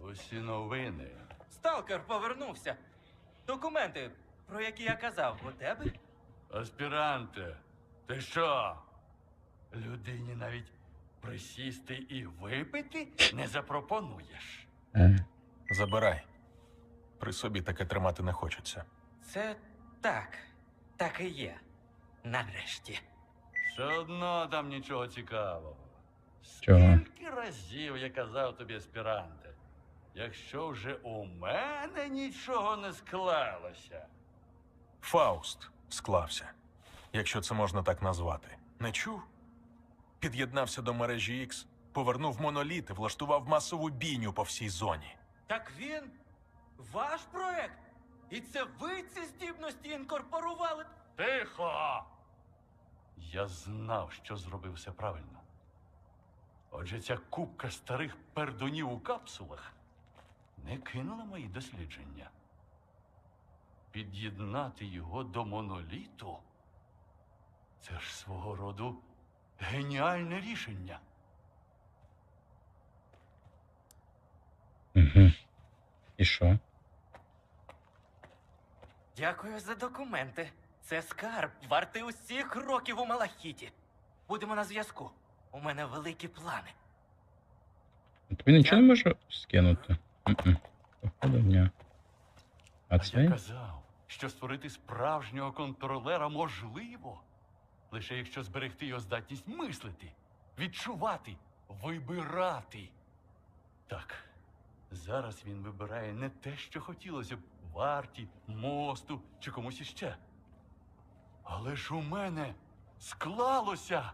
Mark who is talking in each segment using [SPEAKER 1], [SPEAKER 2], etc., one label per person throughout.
[SPEAKER 1] Усі новини.
[SPEAKER 2] Сталкер повернувся. Документи, про які я казав, у тебе?
[SPEAKER 1] Аспіранте, ти що? Людині навіть присісти і випити не запропонуєш.
[SPEAKER 3] Забирай. При собі таке тримати не хочеться.
[SPEAKER 2] Це так і є. Нарешті.
[SPEAKER 1] Все одно там нічого цікавого.
[SPEAKER 4] Чого?
[SPEAKER 1] Скільки разів я казав тобі, аспіранте, якщо вже у мене нічого не склалося.
[SPEAKER 3] Фауст склався, якщо це можна так назвати. Не чув? Під'єднався до мережі X, повернув моноліт і влаштував масову бійню по всій зоні.
[SPEAKER 2] Так він ваш проект? І це ви ці здібності інкорпорували?
[SPEAKER 1] Тихо! Я знав, що зробив все правильно. Отже, ця купка старих пердунів у капсулах не кинула мої дослідження. Під'єднати його до моноліту – це ж свого роду геніальне рішення.
[SPEAKER 4] Угу. І що?
[SPEAKER 2] Дякую за документи. Це скарб, вартий усіх років у Малахіті. Будемо на зв'язку. У мене великі плани.
[SPEAKER 4] Тобі нічого не можу скинути? Походу, ні. А
[SPEAKER 1] Я
[SPEAKER 4] це?
[SPEAKER 1] казав, що створити справжнього контролера можливо, лише якщо зберегти його здатність мислити, відчувати, вибирати. Так, зараз він вибирає не те, що хотілося б варті, мосту чи комусь іще. Але ж у мене склалося.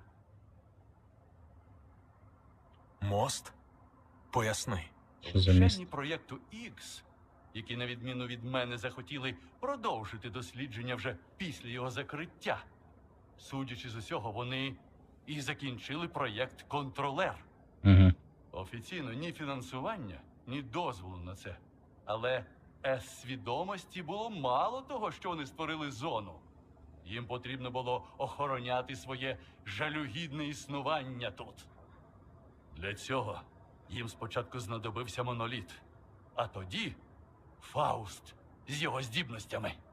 [SPEAKER 3] Мост? Поясни.
[SPEAKER 4] Що за міст?
[SPEAKER 1] Вчені проєкту X, які, на відміну від мене, захотіли продовжити дослідження вже після його закриття. Судячи з усього, вони і закінчили проєкт «Контролер».
[SPEAKER 4] Угу.
[SPEAKER 1] Офіційно ні фінансування, ні дозволу на це. Але С-свідомості було мало того, що вони створили зону. Їм потрібно було охороняти своє жалюгідне існування тут. Для цього їм спочатку знадобився моноліт, а тоді Фауст з його здібностями.